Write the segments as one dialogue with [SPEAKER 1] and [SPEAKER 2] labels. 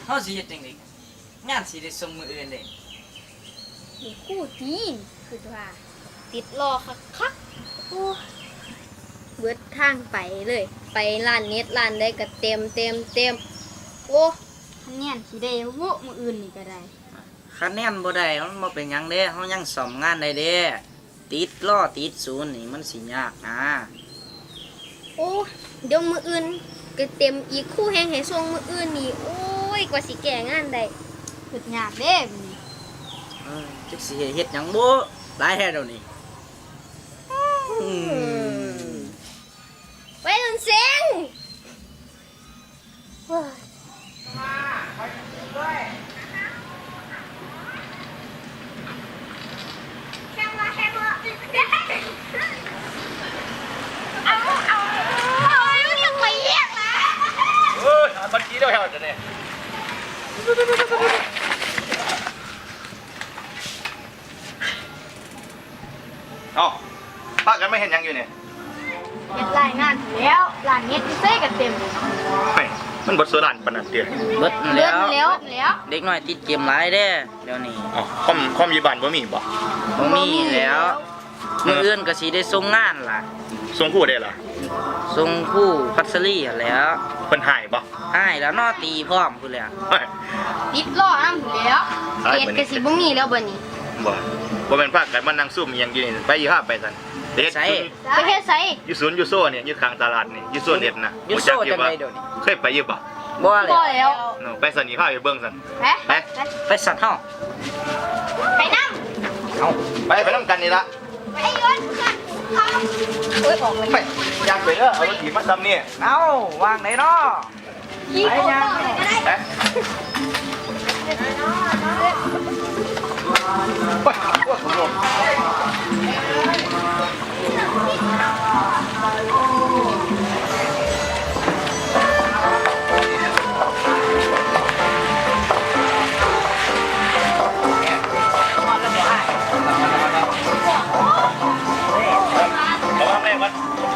[SPEAKER 1] เฮาสิเฮ็ดจังได๋งานสิได้ส่งมื้ออื่นเด้
[SPEAKER 2] มีคู่จีนคือว่า ติดรอคักโอ้เบิดทางไปเลย ไปร้านเน็ตร้านใดก็เต็มโอ้คะแนนสิได้โว้มื้ออื่นนี่ก็ได้
[SPEAKER 1] คะแนนบ่ได้มันบ่เป็นหยังเด้เฮายังซ่อมงานได้เด้ติดล้อติดศูนย์นี่มันสิยากนะ
[SPEAKER 2] โอ้เดี๋ยวมื้ออื่นก็เต็มอีกคู่แฮงให้ส่งมื้ออื่นนี่โอ้ยกว่าสิแก้งานได้เฮ็ดยากเด้บัดนี้
[SPEAKER 1] จักสิเฮ็ดหยังบ่หลายแท้เดี๋ยวนี้อืม
[SPEAKER 2] ไปรุ่นเสียงว้า
[SPEAKER 3] บัญชีเดียวเดี๋ยวนี้เอ้าป้ากันไม่เห็นยังอยู่เนี่ย
[SPEAKER 2] เฮ็ดรายงานแล้วร้านเน็ตเซ่ก็เต็ม
[SPEAKER 3] ไม่มันบดโซดานปนันเตีย
[SPEAKER 1] เบิด
[SPEAKER 2] เลื่
[SPEAKER 1] แล้
[SPEAKER 2] อน
[SPEAKER 1] ว
[SPEAKER 2] แล้ว
[SPEAKER 1] เด็กน้อยติดเกมหลายเด้เดี๋ยวนี้
[SPEAKER 3] อ๋อคอมยีบานบ่มีบ่
[SPEAKER 1] บ่มีแล้วมื้ออื่นก็สิได้ส่งงานล่ะ
[SPEAKER 3] ส่งคู่ได้เหรอ
[SPEAKER 1] ส่งคู่พัสลีหั่นแหล้ว
[SPEAKER 3] เพิ่นหายบ่
[SPEAKER 1] ให้แล้วเนอตีพร้อมพุ่นแหล้ว
[SPEAKER 3] เฮ้ย
[SPEAKER 2] ติดล้อนำแล้วเฮ็ดก็สิบ่มีแล้วบัดนี้
[SPEAKER 3] บ่แม่นพากันมานั่งซุ่มอิหยังอยู่นี่ไปอีห้าไปซั่นเด็ด
[SPEAKER 2] ไปเฮ็ดไส
[SPEAKER 3] อยู่ศูนย์อยู่โซ่เนี่ยอยู่ข้างตลาดนี่อยู่โซนเด็ดนะ
[SPEAKER 1] อยู่โซ่จังไดเดี๋ยวนี้
[SPEAKER 3] เคยไปอยู่บ่
[SPEAKER 1] บ่แล้
[SPEAKER 2] บ่
[SPEAKER 1] ว
[SPEAKER 2] แล้ว
[SPEAKER 3] ไปสันนี่พาไปเบิ่งซั่น
[SPEAKER 2] ไป
[SPEAKER 1] ไปสัตว์เฮา
[SPEAKER 2] ไปนำ
[SPEAKER 1] เอา
[SPEAKER 3] ไปนำกันนี่ละ
[SPEAKER 2] ไปย้อนกันโอ้ยออกเลย
[SPEAKER 3] ไปอยากไปเด้อเอารถถีบมาทำนี่
[SPEAKER 1] เอาวางไหนเนาะ
[SPEAKER 2] ยิงออกเลยก็ได้
[SPEAKER 3] ไปไประวังแม่มัน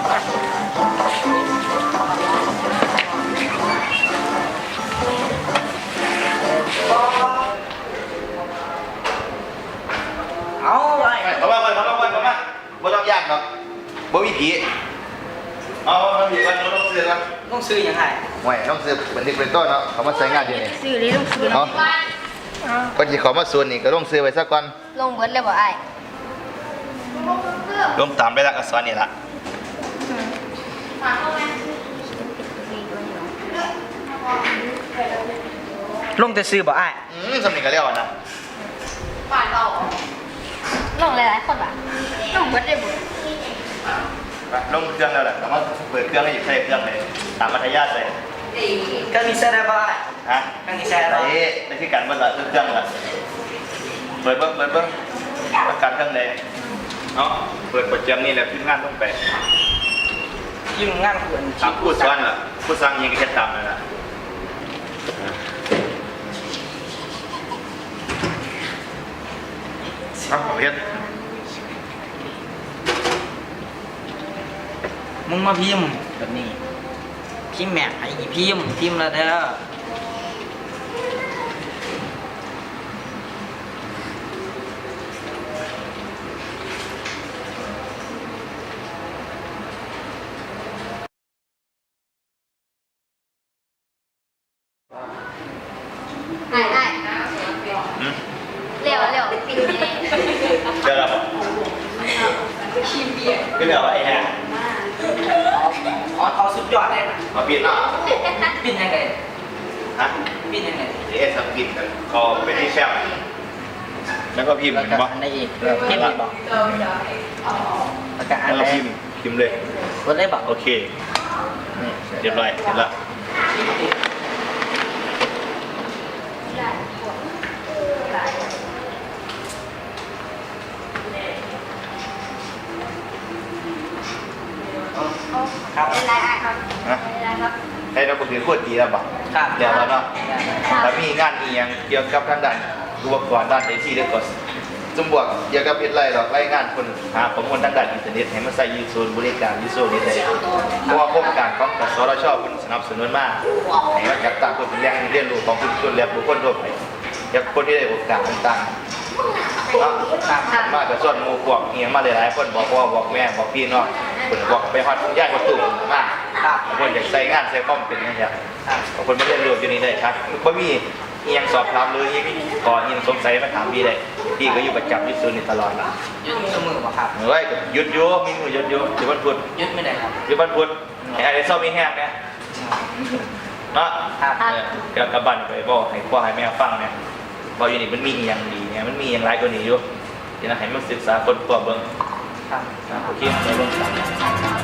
[SPEAKER 1] เอาไว้
[SPEAKER 3] ระวังมันบ่ต้องยากหรอกบ่มีผีเอาผีกันบ่ต้องเสือกัน
[SPEAKER 1] ต้องซื้อยังไง
[SPEAKER 3] ไม่ต้องซื้อเป็นที่เป็นต้นเนาะเขามาใช้งานที่นี่
[SPEAKER 2] ซื้อเลยต้องซื้อ
[SPEAKER 3] เนาะก่อนที่เขามาส่วนนี่ก็ต้องซื้อไว้ซะก่อน
[SPEAKER 2] ลงเบิดเลยบ่อ้าย
[SPEAKER 3] ลงตามไปละอักษรนี่ละ
[SPEAKER 1] ลงแต่ซื้อบ่อ้าย
[SPEAKER 3] สำเนียงก็เรียกว่านะ
[SPEAKER 2] ลงหลายๆคนว่ะลงเบิดเลยบ่
[SPEAKER 3] ไปลงเครื่องแล้วแหละแต่ว่าเปิดเครื่องให้หยิบใส่เครื่องเลยตามมัธยาใส่
[SPEAKER 1] ก็มีใส่ได้บ่อ้าย
[SPEAKER 3] ฮะ
[SPEAKER 1] ก็มีใส่ได้
[SPEAKER 3] ไอ้ในที่การเปิดละเครื่องละเปิดเบิ้งประกันเครื่องเลยเนาะเปิดโปรแกรมนี่แหละขึ้นงานต้องไป
[SPEAKER 1] ยิ่งงานควร
[SPEAKER 3] ตามผู้สอนล่ะผู้สร้างยังก็แค่ตามนั่นแหละครับผมเฮ็ด
[SPEAKER 1] มึงมาพิมพ์แบบนี้พิมพ์แม่ไอ้พิมพ์แล้วเด้อ
[SPEAKER 2] อ้าย
[SPEAKER 3] อืม
[SPEAKER 2] เร็วเดี๋ยว
[SPEAKER 3] เดี๋ยวเราก็เดี๋ยวไอ้แห่
[SPEAKER 1] เอาสุดยอดเลยนะ
[SPEAKER 3] มาปิดเนาะ
[SPEAKER 1] ปิดยังไง
[SPEAKER 3] ฮะ
[SPEAKER 1] ปิดยังไง
[SPEAKER 3] เอสปิดกันก็เป็นที่แซ่บแล้วก็พิมพ์
[SPEAKER 1] แล้ว
[SPEAKER 3] เห็น
[SPEAKER 1] ก็
[SPEAKER 3] ปะ
[SPEAKER 1] อันใดอีกพิมพ์อีกบอกแล้วก็อัน
[SPEAKER 3] แล้ว
[SPEAKER 1] ใด
[SPEAKER 3] ก็พิมพ์เลย
[SPEAKER 1] กดได้บอก
[SPEAKER 3] โอเคนี่เรียบร้อยเสร็จแล้ว
[SPEAKER 1] ครับ
[SPEAKER 2] เป็นไรอ้ายครับ
[SPEAKER 3] นะ
[SPEAKER 2] เป็นไรครับ
[SPEAKER 3] ให้เราถือขวดดีแล้วปะ
[SPEAKER 1] ครับ
[SPEAKER 3] เดี๋ยวเราเนาะแล้วมีงานอีกอย่างเกี่ยวกับทางด้านอุปกรณ์ด้านไอทีเด็กก็สมบวกเกี่ยวกับเฮ็ดไรหรอกรายงานคนหาข้อมูลทางด้านอินเทอร์เน็ตให้มาใส่ยูศูนย์บริการยูโซนี้ได้เพราะว่าโครงการของกสทชเพิ่นสนับสนุนมาให้มาจัดตั้งเพื่อเป็นแหล่งเรียนรู้ของชุมชนและบุคคลทั่วไปอยากคนที่ได้โอกาสต่างๆเนาะมากับส่วนหมู่พวกเฮียมาหลายๆคนบอกพ่อบอกแม่บอกพี่น้องเพิ่นบอกไปฮอดย้ายประตูมาคนอยากใส่งานใส่ความเป็นจังซี่คนมาเรียนรู้อยู่นี่ได้ครับบ่มีอีหยังสอบถามเลยอีขออีหยังสงสัยมาถามพี่ได้พี่ก็อยู่ประจำอยู่ศูนย์นี่ตลอดล่ะ
[SPEAKER 1] ยึดมือบ่ครับ
[SPEAKER 3] เฮ้ยหยุดอยู่มีมือหยุดอยู่อยู่วันพุธ
[SPEAKER 1] ยึดไม่ได้ครับ
[SPEAKER 3] อยู่วันพุธไอ้ซ่อมมีแห้งเนี่ยเนาะเกี่ยวกับบันไปบอกให้พ่อให้แม่ฟังเนี่ยบอกอยู่นี่มันมีอย่างดีเนี่ยมันมีอย่างไรกว่านี้อยู่ที่นะให้มันศึกษาคนตัวเบิ่ง
[SPEAKER 1] ครับ
[SPEAKER 3] โอเคไปเบิ่งกัน